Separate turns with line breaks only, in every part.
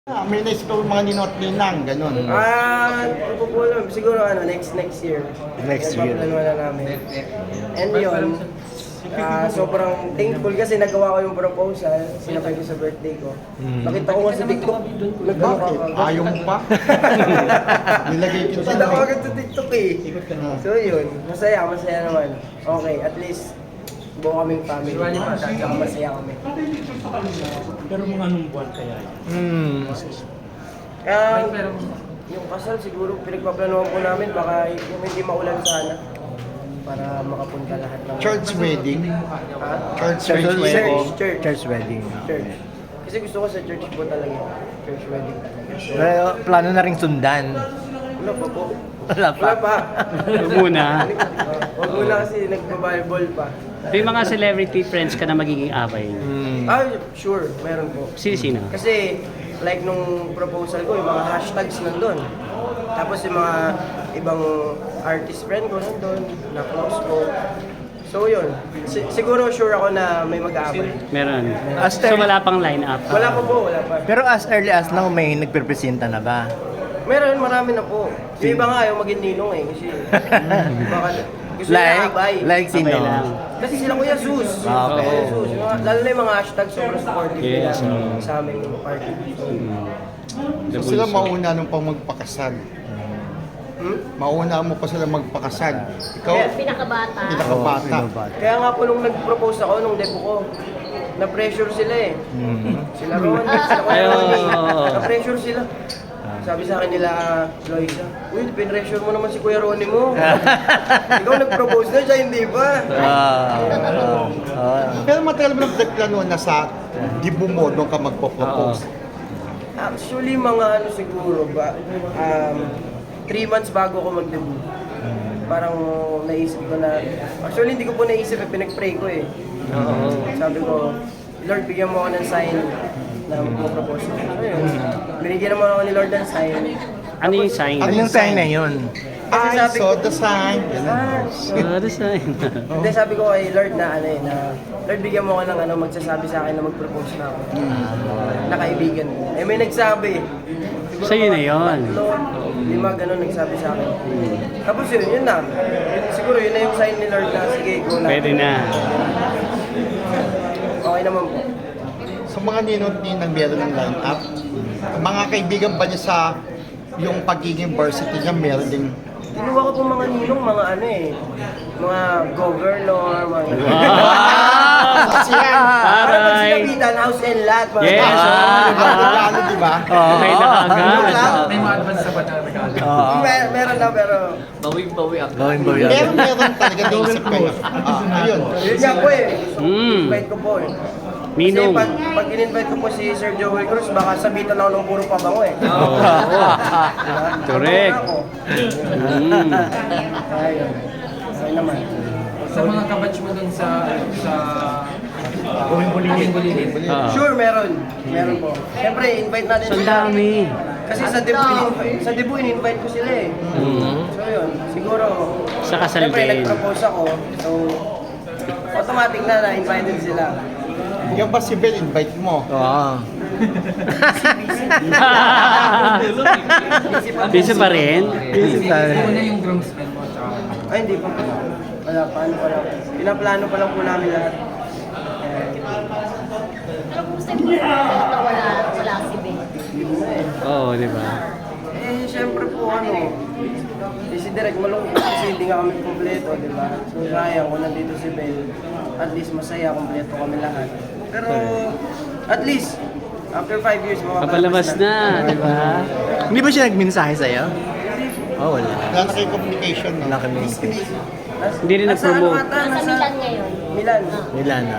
May na ikaw mga ninot ninang, ganun.
Hindi ko po alam. Siguro next year.
Next year.
Nagpaplano na namin. And yun, sobrang thankful kasi nagawa ko yung proposal, sinapay ko sa birthday ko. Nakita ko nga sa TikTok.
Bakit? Ayaw mo pa? Nilagay kita
Kita ko agad sa TikTok eh. So yun, masaya naman. Okay, at least buo kaming family. Tsaka masaya kami.
Pero mga anong buwan kaya yun?
Yung kasal siguro pinagpaplanuhan po namin baka yung hindi maulan sana para makapunta lahat ng
Church wedding?
Ha?
Church
Church
wedding?
wedding.
Church.
Church wedding.
Church. Kasi gusto ko sa church po talaga. Church wedding talaga. So,
Pero plano na ring sundan.
wala pa po.
Wala pa.
Wala pa.
Muna.
Huwag muna kasi nagpa-Bible pa.
May mga celebrity friends ka na magiging away.
Sure, meron po.
Sino?
Kasi like nung proposal ko, yung mga hashtags nandun. Tapos yung mga ibang artist friend ko nandun, na close ko. So yun, siguro sure ako na may mag-aabay.
Meron.
Aster.
So wala pang line-up.
Wala pa po, wala pa.
Pero as early as now, may nagpipresenta na ba?
Meron, marami na po. Yung iba nga yung maging ninong eh, kasi baka gusto nila abay.
Like sino?
Abay lang.
Kasi sila Kuya Sus.
Okay.
Kuya Sus. Lalo na yung mga hashtag sobrang supportive
Yes,
nila sa aming party.
So sila mauna nung pang magpakasal. Mauna mo pa sila magpakasal. Ikaw,
Pinakabata.
pinakabata.
Kaya nga po nung nag-propose ako, nung debut ko, na-pressure sila eh. Sila Ron, sila Kuya Ronnie. Na-pressure sila. Sabi sa akin nila, Loisa, uy, pinressure mo naman si Kuya Ronnie mo. Ikaw nag-propose na siya, hindi ba?
Pero matagal mo nagplano na sa dibo mo nung ka magpo-propose.
Actually, mga ano siguro ba, 3 months bago ako mag-debut. Parang naisip ko na, actually hindi ko po naisip, pinag-pray ko eh. Sabi ko, Lord, bigyan mo ako ng sign na mag-propose. So yun, binigyan naman ako ni Lord ng sign.
Ano yung sign?
Ano
Anong sign na yun?
Kasi
I
sabi
saw
ko,
the sign.
Ano sign?
hindi, sabi ko kay Lord na ano eh, na Lord, bigyan mo ako ng ano, magsasabi sa akin na mag-propose na ako. Na kaibigan ko. Eh may nagsabi. Siguro
Sa'yo na
mga
yun.
3, 5 ganun nagsabi sa akin. Tapos yun na. Siguro yun na yung sign ni Lord na sige, go na.
Pwede na.
Okay naman po.
Sa mga ninot ninang meron ng line-up, mga kaibigan ba niya sa yung pagiging varsity niya meron ding
Kinuha ko po mga ninong, mga ano eh, mga governor, mga... Parang pag
Aray!
sinabitan, house and lot, mga
Yes,
ano, di ba?
Okay na agad.
May mga advance sa bata na regalo.
Meron na, pero...
Bawi-bawi ako.
Going ba
Pero
yan?
meron talaga naisip kayo. Ayun.
Yun nga po eh.
Mm.
Invite ko po eh.
Minong.
Kasi pag in-invite ko po si Sir Joel Cruz, baka sabitan ako ng puro pabango eh.
Correct.
Ako. Ayun. Okay naman.
Sa mga kabatch mo dun sa Buling-bulingin.
Sure, meron. Meron po. Siyempre, invite natin
So, ang dami.
Kasi sa debut, in-invite ko sila eh. So yun, siguro,
Sa kasal
siyempre
din.
nag-propose ako. So, automatic na invited sila.
Yung ba si Bel, invite mo?
Oo.
Busy pa rin?
Ano na yung groomsmen mo? Tsaka
Ay, hindi pa po. Wala pa, ano pa lang. Pinaplano pa lang po namin lahat.
Pero kung gusto mo na wala si Ben.
Yun na eh.
Oo, di ba?
Eh, siyempre po si Direk malungkot kasi hindi nga kami kompleto, di ba? So, sayang kung nandito si Bel, at least masaya, kompleto kami lahat. Pero, at least, after 5 years,
Papalabas na, di ba?
Hindi ba siya nagmensahe sa'yo? Oh, wala.
Wala na kayo communication, no?
Wala kami.
Hindi rin nag-promote.
Nasa Milan ngayon.
Milan.
Wala na.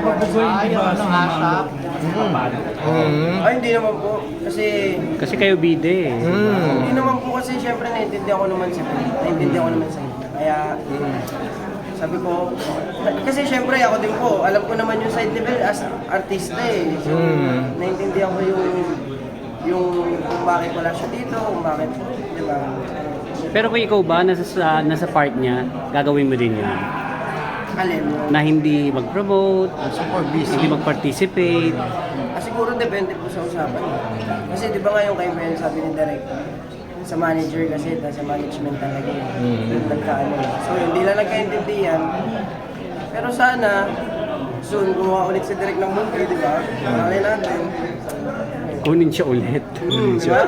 Ay, hindi naman po. Kasi,
Kasi kayo bide eh.
hindi naman po kasi syempre naiintindihan ko naman si Bel. Naiintindihan ko naman sa inyo. Kaya, sabi ko, kasi syempre ako din po, alam ko naman yung side ni Bel as artista eh. So, naiintindihan ko yung kung bakit wala siya dito, kung bakit, di ba?
Pero kung ikaw ba, nasa part niya, gagawin mo din yun.
Alin mo.
Na hindi mag-promote,
Super busy.
hindi mag-participate.
Siguro depende depende po sa usapan. Kasi di ba ngayon kayo pa sabi ni Direk, sa manager kasi, sa management talaga yung nagkaano. So hindi lang nagkaintindihan. Pero sana, soon gumawa ulit si Direk ng movie, di ba? Malay natin.
Kunin siya ulit.
Di ba?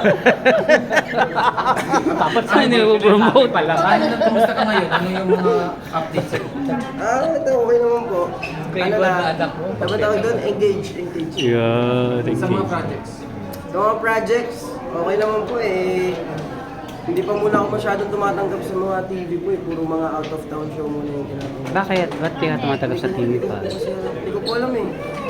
Dapat saan nila-promote?
Kumusta ka ngayon? Ano yung mga updates sa'yo?
Ito okay naman po.
Favorite na anak mo?
Dapat tawag doon, engage.
Yeah, thank
Sa
you.
mga projects?
Sa mga projects, okay naman po eh. Hindi pa muna ako masyadong tumatanggap sa mga TV po eh. Puro mga out of town show muna yung ginagawa.
Bakit? Ba't di ka tumatagap sa TV pa?
Kasi hindi ko po alam eh.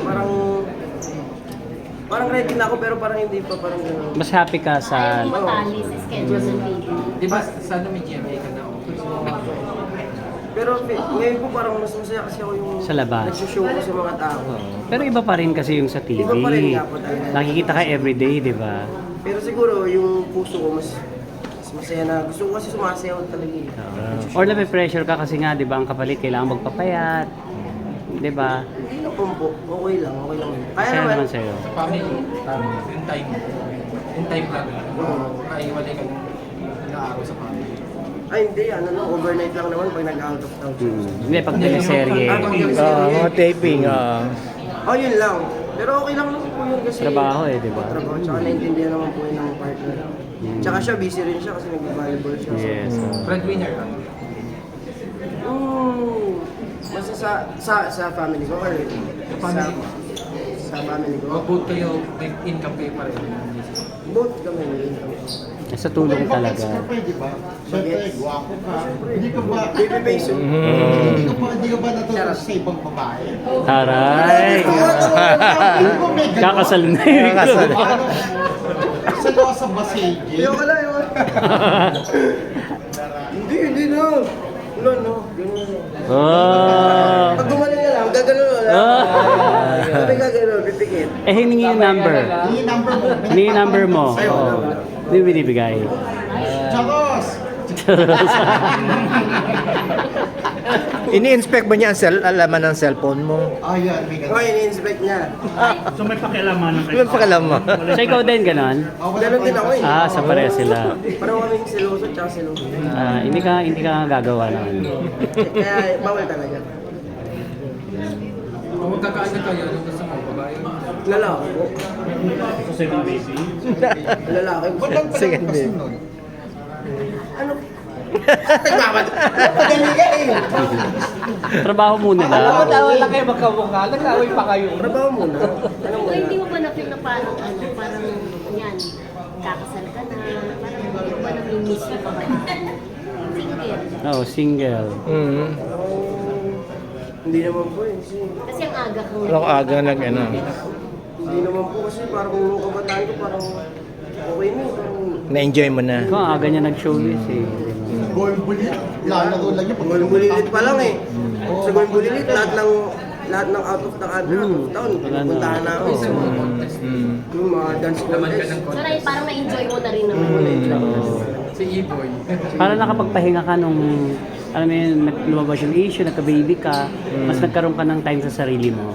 Parang ready na ako pero parang hindi pa, parang gano'n.
Mas happy ka
Ayaw
sa...
mo matali sa schedule ng baby.
Di ba sana may GMA ka na?
Pero ngayon po parang mas masaya kasi ako yung
Sa labas.
nagsushow ko sa mga tao.
Pero iba pa rin kasi yung sa TV.
Iba pa rin nga po talaga.
Nakikita ka everyday, di ba?
Pero siguro yung puso ko mas masaya na. Gusto ko kasi sumasayaw talaga eh.
Or nape-pressure ka kasi nga, di ba, ang kapalit kailangan magpapayat. Di ba?
Hindi na po. Okay lang. Kaya
Kaya
naman.
naman sa'yo.
Sa family, yung time. Yung time lang. Kaiwalay ka nag-aaral sa family.
Ay hindi, overnight lang naman pag nag-out of town.
Hindi, pag teleserye.
Mga taping,
Oh, yun lang. Pero okay lang naman po yun kasi...
Trabaho eh, di ba?
Trabaho, tsaka naintindihan naman po yun ng partner. Tsaka siya, busy rin siya kasi nag-volleyball siya.
Yes.
Breadwinner ka?
Basta sa family ko or sa family ko.
O both kayo, may income kayo pa rin?
Both kami may income.
Sa tulong talaga.
Di ba? Siyempre, gwapo ka. Hindi ka ba...
Baby face.
Hindi ka ba natutuwa sa ibang babae?
Taray! Kakasal na yun.
Kakasal.
Sa lawa sa basage.
Yung wala. Hindi na. Wala no. Ganun.
Oh.
Pag gumaling na lang, gagano na lang. Sabi gagano, pipikit.
Eh, hiningi yung number.
Yung number mo.
Hiningi yung number mo.
Ay, wala,
Oo.
wala.
Hindi binibigay.
Chakos!
ini-inspect ba niya ang alaman ng cellphone mo?
Ayan, may ganun.
Okay, ini-inspect niya.
May pakialam mo.
So, ikaw din ganon?
Ganon din ako eh.
Ah, sa pareha sila.
Parang kaming seloso tsaka seloso.
Ah, hindi ka gagawa naman.
Kaya bawal talaga.
Kung magkakaano kayo, ano gusto mo? Babae?
Lalaki po. Lalaki po.
Ba't ang
Sige,
palakas
babe.
nun?
Ano? Nagmamad. Madali ka eh.
Trabaho muna lang.
lang kayo magkamukha, nag-away pa kayo.
Trabaho muna. Ano
So,
muna?
hindi mo ba na-feel na parang, parang, yan, kakasal ka na, parang hindi mo ba nami-miss yung kabataan? Single.
Oo, single.
Hindi naman po eh.
Kasi ang aga kang
Anong aga ano?
Hindi naman po kasi parang nung kabataan ko parang okay na. Parang
Na-enjoy mo na.
Ikaw, ang aga niya nag-showbiz eh.
Going bulit. Lalaro lang yun.
Going bulilit pa lang eh. Sa going bulilit, lahat ng out of town, pupuntahan na ako. Yung mga dance
Laman ka
contest.
ng
So,
content.
parang na-enjoy mo na rin naman.
Oo.
Si E-Boy.
Para nakapagpahinga ka nung, alam mo yun, lumabas yung issue, nagka-baby ka, mas nagkaroon ka ng time sa sarili mo.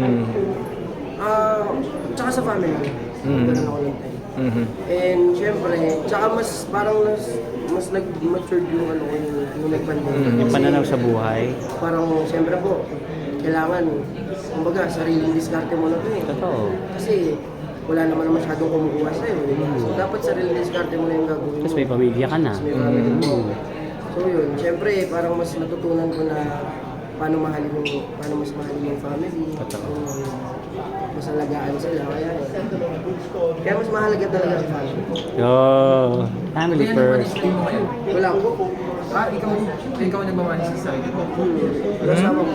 Tsaka sa family ko. Ganun ako ng time. And syempre, tsaka mas parang mas nag-matured yung ano ko yung nag-pandemic.
Yung
Kasi
pananaw sa buhay.
Parang syempre po, kailangan, kumbaga, sariling diskarte mo na ito eh.
Totoo.
Kasi wala naman masyadong kumukuha sa'yo. Di ba? So dapat sariling diskarte mo na yung gagawin mo.
Tapos may pamilya ka na.
Tapos may family mo. So yun, syempre parang mas natutunan ko na paano mas mahalin yung family.
Totoo.
Mas alagaan sila. Kaya mas mahalaga talaga ang family.
Oh, family
Kaya
first.
naman mo ngayon.
Wala ko.
Ikaw nagmamahal sa sarili mo.
Kasama ko.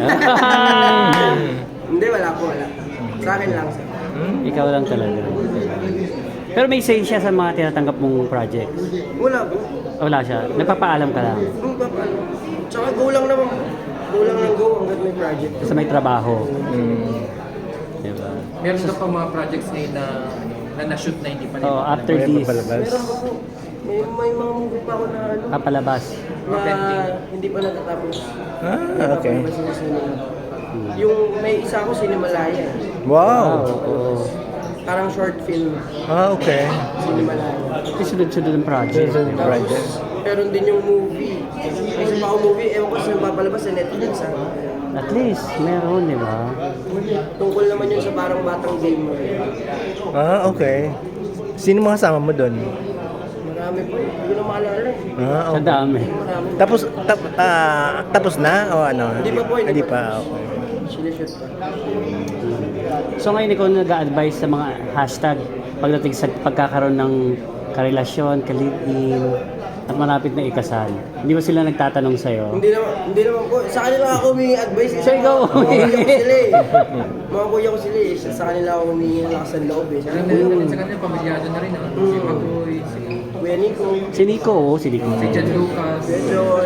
Hindi, wala po. Sa akin lang.
Ikaw lang talaga. Pero may say siya sa mga tinatanggap mong projects.
Wala po.
Wala siya. Nagpapaalam ka lang.
Tsaka go lang naman. Go lang ng go hanggat may project.
Kasi may trabaho. Diba?
Meron ka pa mga projects ngayon na na-shoot na hindi pa rin.
Oh, after this,
Meron ko po. May mga movie pa ako na ano.
papalabas.
Na hindi pa natatapos.
Okay.
Hindi pa sinisinima. Yung may isa ako Sinimalaya.
Wow!
Oo.
parang short film,
Okay.
Sinimalaya.
Kasi sunod-sunod ang project.
Sunod-sunod. Project.
Meron din yung movie. Kasi pa movie, ewan ko saan papalabas sa Netflix ha.
At least, meron, di ba?
Tungkol naman yun sa parang batang gamer.
Okay. Sino mga kasama mo doon?
Marami po, hindi ko na maalala.
Sa
Okay.
dami.
Marami.
Tapos na o ano?
Hindi pa po, hindi
Hindi
pa.
pa. Okay.
Sinishoot pa.
So ngayon ikaw nag-a-advise sa mga hashtag pagdating sa pagkakaroon ng karelasyon, ka-live-in, at malapit na ikasal. Hindi ba sila nagtatanong sa'yo?
Hindi naman po. Sa kanila ako humingi advice.
So, ikaw
Mga kuya ko
humingi.
sila eh. Mga kuya ko sila eh. Sa kanila ako humingi ng lakas ng loob eh. Sa
Alam na rin sa kanila, pamilyado na rin. Si Patoy, si
Kuya Nico,
Si Nico, oh, si Nico.
John Lucas.
Kuya John.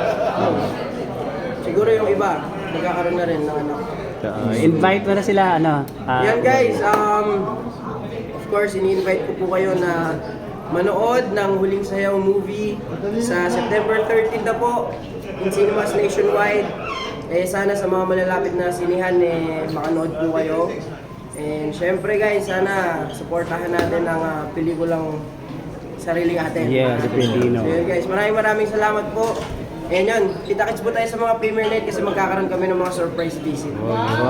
Siguro yung iba, magkakaroon na rin ng anak.
Invite mo na sila, ano?
Yan guys, of course, ini-invite ko po kayo na manood ng Huling Sayaw movie sa September 13 na po in cinemas nationwide. Sana sa mga malalapit na sinihan makanood po kayo. And syempre guys, sana supportahan natin ang pelikulang Sariling Atin.
Yes, Filipino.
So yun guys, maraming salamat po. And yun, kita-kits po tayo sa mga premiere night kasi magkakaroon kami ng mga surprise visit.